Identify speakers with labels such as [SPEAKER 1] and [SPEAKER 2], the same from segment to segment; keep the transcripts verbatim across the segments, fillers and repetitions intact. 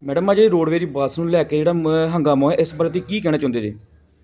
[SPEAKER 1] Madam ਅਜੇ roadways ਦੀ ਬੱਸ ਨੂੰ ਲੈ ਕੇ ਜਿਹੜਾ ਮ- ਹੰਗਾਮਾ ਹੋਇਆ ਇਸ ਬਾਰੇ ਤੁਸੀਂ ਕੀ ਕਹਿਣਾ ਚਾਹੁੰਦੇ ਜੀ?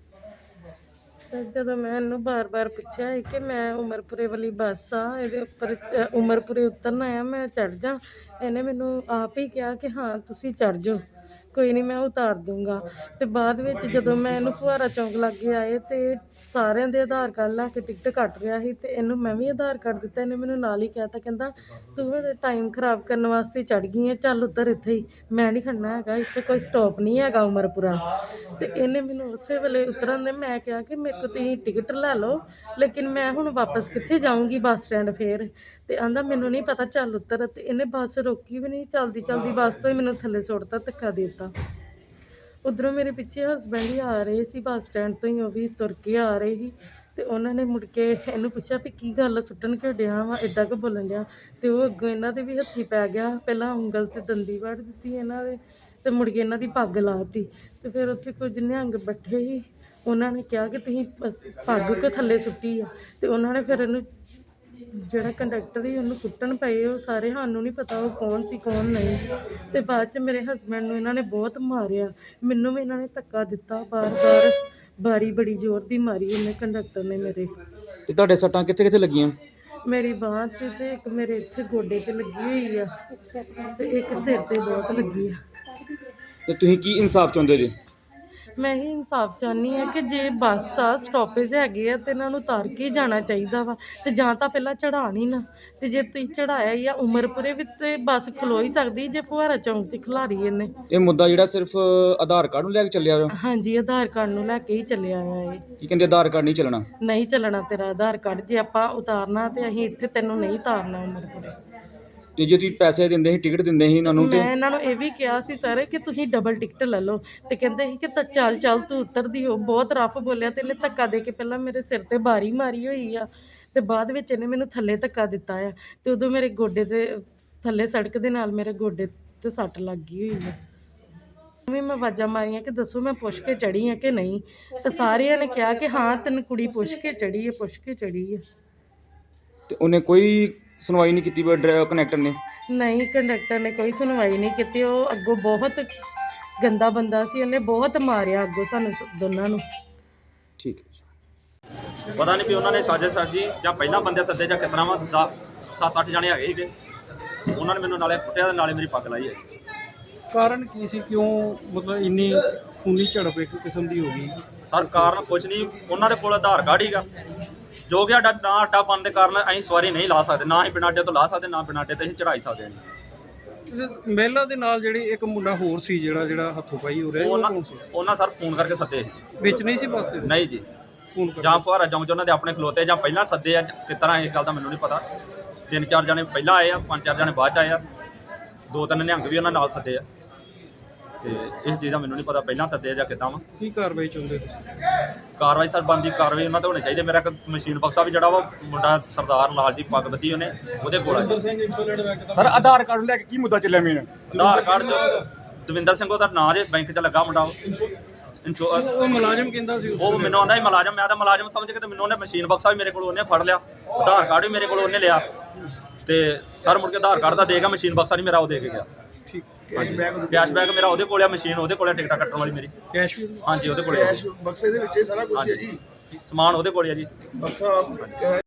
[SPEAKER 2] ਤੇ ਜਦੋਂ ਮੈਂ ਇਹਨੂੰ ਬਾਰ-ਬਾਰ ਪੁੱਛਿਆ ਸੀ ਕਿ ਮੈਂ ਉਮਰਪੁਰੇ ਵਾਲੀ ਬੱਸ ਆ, ਇਹਦੇ ਉੱਪਰ ਚ- ਉਮਰਪੁਰੇ ਉਤਰਨਾ ਆ, ਮੈਂ ਚੜ੍ਹ ਜਾ, ਇਹਨੇ ਮੈਨੂੰ ਆਪ ਹੀ ਕਿਹਾ ਕਿ ਹਾਂ ਤੁਸੀਂ ਚੜ੍ਹ ਜਾਓ, ਕੋਈ ਨਹੀਂ ਮੈਂ ਉਤਾਰ ਦੂੰਗਾ। ਤੇ ਬਾਅਦ ਵਿੱਚ ਜਦੋਂ ਮੈਂ ਇਹਨੂੰ ਫੁਹਾਰਾ ਚੌਂਕ ਲਾਗੇ ਆਏ ਤੇ ਸਾਰਿਆਂ ਦੇ ਆਧਾਰ ਕਾਰਡ ਲੈ ਕੇ ਟਿਕਟ ਕੱਟ ਰਿਹਾ ਸੀ ਤੇ ਇਹਨੂੰ ਮੈਂ ਵੀ ਆਧਾਰ ਕਾਰਡ ਦਿੱਤਾ। ਇਹਨੇ ਮੈਨੂੰ ਨਾਲ ਹੀ ਕਹਿ ਤਾ, ਕਹਿੰਦਾ ਤੂੰ ਹੁਣ ਟਾਈਮ ਖਰਾਬ ਕਰਨ ਵਾਸਤੇ ਚੜ੍ਹ ਗਈ ਹੈ, ਚੱਲ ਉੱਤਰ ਇੱਥੇ ਹੀ, ਮੈਂ ਨਹੀਂ ਖੜਨਾ ਹੈਗਾ, ਇੱਥੇ ਕੋਈ ਸਟਾਪ ਨਹੀਂ ਹੈਗਾ ਉਮਰਪੁਰਾ। ਤੇ ਇਹਨੇ ਮੈਨੂੰ ਉਸੇ ਵੇਲੇ ਉਤਰਨ ਦੇ ਮੈਂ ਕਿਹਾ ਕਿ ਮੇਰੇ ਕੋਲ ਤੁਸੀਂ ਟਿਕਟ ਲੈ ਲਓ, ਲੇਕਿਨ ਮੈਂ ਹੁਣ ਵਾਪਸ ਕਿੱਥੇ ਜਾਊਂਗੀ ਬੱਸ ਸਟੈਂਡ ਫੇਰ। ਤੇ ਆਂਦਾ ਮੈਨੂੰ ਨਹੀਂ ਪਤਾ, ਚੱਲ ਉੱਤਰ। ਤੇ ਇਹਨੇ ਬੱਸ ਰੋਕੀ ਵੀ ਨਹੀਂ, ਚਲਦੀ ਚਲਦੀ ਬੱਸ ਤੋਂ ਹੀ ਮੈਨੂੰ ਥੱਲੇ ਸੁੱਟਤਾ, ਧੱਕਾ ਦੇ ਦਿੱਤਾ। ਉੱਧਰੋਂ ਮੇਰੇ ਪਿੱਛੇ ਹਸਬੈਂਡ ਹੀ ਆ ਰਹੇ ਸੀ ਬੱਸ ਸਟੈਂਡ ਤੋਂ ਹੀ, ਉਹ ਵੀ ਤੁਰ ਕੇ ਆ ਰਹੇ ਸੀ। ਤੇ ਉਹਨਾਂ ਨੇ ਮੁੜ ਕੇ ਇਹਨੂੰ ਪੁੱਛਿਆ ਵੀ ਕੀ ਗੱਲ, ਸੁੱਟਣ ਕਿਉਂ ਡਿਆ ਵਾ, ਇੱਦਾਂ ਕਿ ਬੋਲਣ ਡਿਆ। ਤੇ ਉਹ ਅੱਗੋਂ ਇਹਨਾਂ ਦੇ ਵੀ ਹੱਥੀ ਪੈ ਗਿਆ, ਪਹਿਲਾਂ ਉਂਗਲ ਤੇ ਦੰਦੀ ਵੱਢ ਦਿੱਤੀ ਇਹਨਾਂ ਦੇ, ਤੇ ਮੁੜ ਕੇ ਇਹਨਾਂ ਦੀ ਪੱਗ ਲਾਤੀ। ਤੇ ਫਿਰ ਉੱਥੇ ਕੁਝ ਨਿਹੰਗ ਬੈਠੇ ਸੀ, ਉਹਨਾਂ ਨੇ ਕਿਹਾ ਕਿ ਤੁਸੀਂ ਪ- ਪੱਗ ਕਿਉਂ ਥੱਲੇ ਸੁੱਟੀ ਆ। ਤੇ ਉਹਨਾਂ ਨੇ ਫਿਰ ਇਹਨੂੰ, ਜਿਹੜਾ ਕੰਡਕਟਰ ਸੀ ਉਹਨੂੰ ਕੁੱਟਣ ਪਏ ਉਹ ਸਾਰੇ, ਸਾਨੂੰ ਨਹੀਂ ਪਤਾ ਉਹ ਕੌਣ ਸੀ ਕੌਣ ਨਹੀਂ। ਤੇ ਬਾਅਦ 'ਚ ਮੇਰੇ ਹਸਬੈਂਡ ਨੂੰ ਇਹਨਾਂ ਨੇ ਬਹੁਤ ਮਾਰਿਆ, ਮੈਨੂੰ ਵੀ ਇਹਨਾਂ ਨੇ ਧੱਕਾ ਦਿੱਤਾ ਬਾਰ-ਬਾਰ, ਬਾਰੀ ਬੜੀ ਜ਼ੋਰ ਦੀ ਮਾਰੀ ਇਹਨੇ ਕੰਡਕਟਰ ਨੇ ਮੇਰੇ।
[SPEAKER 1] ਤੇ ਤੁਹਾਡੇ ਸੱਟਾਂ ਕਿੱਥੇ ਕਿੱਥੇ ਲੱਗੀਆਂ?
[SPEAKER 2] ਮੇਰੀ ਬਾਂਹ 'ਤੇ ਤੇ ਇੱਕ ਮੇਰੇ ਇੱਥੇ ਗੋਡੇ 'ਤੇ ਲੱਗੀ ਹੋਈ ਆ, ਤੇ ਇੱਕ ਸਿਰ 'ਤੇ ਬਹੁਤ ਲੱਗੀ ਆ।
[SPEAKER 1] ਤੇ ਤੁਸੀਂ ਕੀ ਇਨਸਾਫ ਚਾਹੁੰਦੇ ਜੀ?
[SPEAKER 2] ਮੈਂ ਹੀ ਇਨਸਾਫ ਚਾਹੁੰਦੀ ਹਾਂ ਕਿ ਜੇ ਬੱਸ ਆ, ਸਟਾਪੇਜ ਹੈਗੇ ਆ, ਤੇ ਇਹਨਾਂ ਨੂੰ ਉਤਾਰ ਕੇ ਹੀ ਜਾਣਾ ਚਾਹੀਦਾ ਵਾ। ਤੇ ਜਾਂ ਤਾਂ ਪਹਿਲਾਂ ਚੜ੍ਹਾਉਣ ਹੀ ਨਾ, ਤੇ ਜੇ ਤੁਸੀਂ ਚੜ੍ਹਾਇਆ ਹੀ ਆ ਉਮਰਪੁਰੇ ਵਿੱਚ ਤੇ ਬੱਸ ਖਲੋ ਹੀ ਸਕਦੀ, ਜੇ ਫੁਹਾਰਾ ਚੌਂਕ 'ਚ ਖਿਲਾਰੀ ਇਹਨੇ।
[SPEAKER 1] ਇਹ ਮੁੱਦਾ ਜਿਹੜਾ ਸਿਰਫ ਆਧਾਰ ਕਾਰਡ ਨੂੰ ਲੈ ਕੇ ਚੱਲਿਆ ਵਾ?
[SPEAKER 2] ਹਾਂਜੀ, ਆਧਾਰ ਕਾਰਡ ਨੂੰ ਲੈ ਕੇ ਹੀ ਚੱਲਿਆ ਆ ਇਹ।
[SPEAKER 1] ਕੀ ਕਹਿੰਦੇ ਆਧਾਰ ਕਾਰਡ ਨਹੀਂ ਚੱਲਣਾ?
[SPEAKER 2] ਨਹੀਂ ਚੱਲਣਾ ਤੇਰਾ ਆਧਾਰ ਕਾਰਡ, ਜੇ ਆਪਾਂ ਉਤਾਰਨਾ ਤੇ ਅਸੀਂ ਇੱਥੇ ਤੈਨੂੰ ਨਹੀਂ ਉਤਾਰਨਾ ਉਮਰਪੁਰੇ।
[SPEAKER 1] ਤੇ ਜੇ ਤੁਸੀਂ ਪੈਸੇ ਦਿੰਦੇ ਸੀ, ਟਿਕਟ ਦਿੰਦੇ ਸੀ ਇਹਨਾਂ ਨੂੰ, ਤੇ
[SPEAKER 2] ਮੈਂ ਇਹਨਾਂ ਨੂੰ ਇਹ ਵੀ ਕਿਹਾ ਸੀ ਸਰ ਕਿ ਤੁਸੀਂ ਡਬਲ ਟਿਕਟ ਲੈ ਲਓ, ਤੇ ਕਹਿੰਦੇ ਸੀ ਕਿ ਤਾਂ ਚੱਲ ਚੱਲ ਤੂੰ ਉਤਰਦੀ ਹੋ, ਬਹੁਤ ਰਫ ਬੋਲਿਆ। ਤੇ ਇਹਨੇ ਧੱਕਾ ਦੇ ਕੇ ਪਹਿਲਾਂ ਮੇਰੇ ਸਿਰ ਤੇ ਬਾਰੀ ਮਾਰੀ ਹੋਈ ਆ, ਤੇ ਬਾਅਦ ਵਿੱਚ ਇਹਨੇ ਮੈਨੂੰ ਥੱਲੇ ਧੱਕਾ ਦਿੱਤਾ ਆ। ਤੇ ਉਦੋਂ ਮੇਰੇ ਗੋਡੇ ਤੇ ਥੱਲੇ ਸੜਕ ਦੇ ਨਾਲ ਮੇਰੇ ਗੋਡੇ ਤੇ ਸੱਟ ਲੱਗ ਗਈ ਹੋਈ ਆ। ਵੀ ਮੈਂ ਆਵਾਜ਼ਾਂ ਮਾਰੀਆਂ ਕਿ ਦੱਸੋ ਮੈਂ ਪੁੱਛ ਕੇ ਚੜ੍ਹੀ ਆ ਕਿ ਨਹੀਂ, ਤੇ ਸਾਰਿਆਂ ਨੇ ਕਿਹਾ ਕਿ ਹਾਂ ਤੈਨੂੰ ਕੁੜੀ ਪੁੱਛ ਕੇ ਚੜ੍ਹੀ ਹੈ, ਪੁੱਛ ਕੇ ਚੜ੍ਹੀ ਹੈ।
[SPEAKER 1] ਤੇ ਉਹਨੇ ਕੋਈ ਸੁਣਵਾਈ ਨਹੀਂ ਕੀਤੀ ਕਨੈਕਟਰ ਨੇ?
[SPEAKER 2] ਨਹੀਂ, ਕੰਡਕਟਰ ਨੇ ਕੋਈ ਸੁਣਵਾਈ ਨਹੀਂ ਕੀਤੀ। ਉਹ ਅੱਗੋਂ ਬਹੁਤ ਗੰਦਾ ਬੰਦਾ ਸੀ, ਉਹਨੇ ਬਹੁਤ ਮਾਰਿਆ ਅੱਗੋਂ ਸਾਨੂੰ ਸ- ਦੋਨਾਂ ਨੂੰ।
[SPEAKER 1] ਠੀਕ ਹੈ।
[SPEAKER 3] ਪਤਾ ਨਹੀਂ ਵੀ ਉਹਨਾਂ ਨੇ ਸਾਜ਼ਿਸ਼ ਸਾਜੀ ਜਾਂ ਪਹਿਲਾਂ ਬੰਦੇ ਸੱਦੇ ਜਾਂ ਕਿਤਨਾ ਵਾ, ਦਾ ਸੱਤ ਅੱਠ ਜਣੇ ਹੈਗੇ ਸੀਗੇ, ਉਹਨਾਂ ਨੇ ਮੈਨੂੰ ਨਾਲੇ ਕੁੱਟਿਆ ਤੇ ਨਾਲੇ ਮੇਰੀ ਪੱਗ ਲਾਈ ਹੈ।
[SPEAKER 4] ਕਾਰਨ ਕੀ ਸੀ, ਕਿਉਂ ਮਤਲਬ ਇੰਨੀ ਖੂਨੀ ਝੜਪ ਇੱਕ ਕਿਸਮ ਦੀ ਹੋ ਗਈ?
[SPEAKER 3] ਸਰ ਕਾਰਨ ਕੁਛ ਨਹੀਂ, ਉਹਨਾਂ ਦੇ ਕੋਲ ਆਧਾਰ ਕਾਰਡ ਹੀਗਾ, ਜੋ ਕਿ ਸਾਡਾ ਨਾ ਅੱਡਾ ਪਾਉਣ ਦੇ ਕਾਰਨ ਅਸੀਂ ਸਵਾਰੀ ਨਹੀਂ ਲਾ ਸਕਦੇ, ਨਾ ਹੀ ਬਿਨਾਂ ਅੱਡੇ ਤੋਂ ਲਾ ਸਕਦੇ, ਨਾ ਬਿਨਾਂ ਅੱਡੇ ਤੇ ਅਸੀਂ ਚੜਾਈ ਸਕਦੇ ਨਹੀਂ।
[SPEAKER 4] ਮਹਿਲਾ ਦੇ ਨਾਲ ਜਿਹੜੀ ਇੱਕ ਮੁੰਡਾ ਹੋਰ ਸੀ ਜਿਹੜਾ ਜਿਹੜਾ ਹੱਥੋਂ ਪਾਈ ਹੋ ਰਿਹਾ, ਉਹ
[SPEAKER 3] ਉਹਨਾਂ
[SPEAKER 4] ਕੌਣ ਸੀ?
[SPEAKER 3] ਉਹਨਾਂ ਸਰ ਫੋਨ ਕਰਕੇ ਸੱਦੇ ਸੀ।
[SPEAKER 4] ਵਿੱਚ ਨਹੀਂ ਸੀ ਬੱਸ ਦੇ?
[SPEAKER 3] ਨਹੀਂ ਜੀ,
[SPEAKER 4] ਫੋਨ ਕਰ
[SPEAKER 3] ਜਾਂ ਫੁਹਾਰਾ ਚੌਂਕ 'ਚ ਉਹਨਾਂ ਦੇ ਆਪਣੇ ਖਲੋਤੇ, ਜਾਂ ਪਹਿਲਾਂ ਸੱਦੇ ਆ, ਕਿਸ ਤਰ੍ਹਾਂ ਇਸ ਗੱਲ ਦਾ ਮੈਨੂੰ ਨਹੀਂ ਪਤਾ। ਤਿੰਨ ਚਾਰ ਜਣੇ ਪਹਿਲਾਂ ਆਏ ਆ, ਪੰਜ ਚਾਰ ਜਣੇ ਬਾਅਦ 'ਚ ਆਏ ਆ, ਦੋ ਤਿੰਨ ਨਿਹੰਗ ਵੀ ਉਹਨਾਂ ਨਾਲ ਸੱਦੇ ਆ, ਤੇ ਇਸ ਚੀਜ਼ ਦਾ ਮੈਨੂੰ ਨਹੀਂ ਪਤਾ ਪਹਿਲਾਂ ਸੱਦੇ ਆ ਜਾਂ ਕਿੱਦਾਂ ਵਾ।
[SPEAKER 4] ਕੀ ਕਾਰਵਾਈ ਚਾਹੁੰਦੇ ਤੁਸੀਂ?
[SPEAKER 3] ਕਾਰਵਾਈ ਸਰ ਬਣਦੀ ਕਾਰਵਾਈ ਉਹਨਾਂ ਤੇ ਹੋਣੀ ਚਾਹੀਦੀ। ਮੇਰਾ ਇੱਕ ਮਸ਼ੀਨ ਬਕਸਾ ਵੀ ਜਿਹੜਾ ਵਾ ਮੁੰਡਾ ਸਰਦਾਰ ਲਾਲ ਜੀ ਪੱਗ ਬੱਧੀ ਉਹਨੇ, ਉਹਦੇ ਕੋਲ ਆ।
[SPEAKER 1] ਸਰ ਆਧਾਰ ਕਾਰਡ ਨੂੰ ਲੈ ਕੇ ਕੀ ਮੁੱਦਾ ਚੱਲਿਆ ਮੇਨ?
[SPEAKER 3] ਆਧਾਰ ਕਾਰਡ ਜੋ ਦਵਿੰਦਰ ਸਿੰਘ ਉਹਦਾ ਨਾਂ ਜੇ, ਬੈਂਕ 'ਚ ਲੱਗਾ ਮੁੰਡਾ ਉਹ ਇੰਸ਼ੋ
[SPEAKER 4] ਉਹ ਮੁਲਾਜ਼ਮ ਕਹਿੰਦਾ ਸੀ ਉਸ
[SPEAKER 3] ਉਹ ਮੈਨੂੰ ਆਂਦਾ ਸੀ ਮੁਲਾਜ਼ਮ, ਮੈਂ ਤਾਂ ਮੁਲਾਜ਼ਮ ਸਮਝ ਕੇ ਤੇ ਮੈਨੂੰ ਉਹਨੇ ਮਸ਼ੀਨ ਬਕਸਾ ਵੀ ਮੇਰੇ ਕੋਲ ਉਹਨੇ ਫੜ ਲਿਆ, ਆਧਾਰ ਕਾਰਡ ਵੀ ਮੇਰੇ ਕੋਲ ਉਹਨੇ ਲਿਆ, ਤੇ ਸਰ ਮੁੜ ਕੇ ਆਧਾਰ ਕਾਰਡ ਦਾ ਦੇ ਗਿਆ, ਮਸ਼ੀਨ ਬਕਸਾ ਨਹੀਂ ਮੇਰਾ ਉਹ ਦੇ ਕੇ ਗਿਆ।
[SPEAKER 4] ਠੀਕ।
[SPEAKER 3] ਕੈਸ਼ ਬੈਕ ਮੇਰਾ ਉਹਦੇ ਕੋਲ ਆ, ਮਸ਼ੀਨ ਉਹਦੇ ਕੋਲ ਆ, ਟਿਕਟਾਂ ਕੱਟਣ ਵਾਲੀ ਮੇਰੀ।
[SPEAKER 4] ਕੈਸ਼ ਵੀ?
[SPEAKER 3] ਹਾਂਜੀ ਉਹਦੇ ਕੋਲ ਆ,
[SPEAKER 5] ਬਕਸੇ ਦੇ ਵਿੱਚ ਇਹ ਸਾਰਾ ਕੁਝ ਹੈ ਜੀ,
[SPEAKER 3] ਸਮਾਨ ਉਹਦੇ ਕੋਲ ਆ ਜੀ।
[SPEAKER 5] ਬਕਸਾ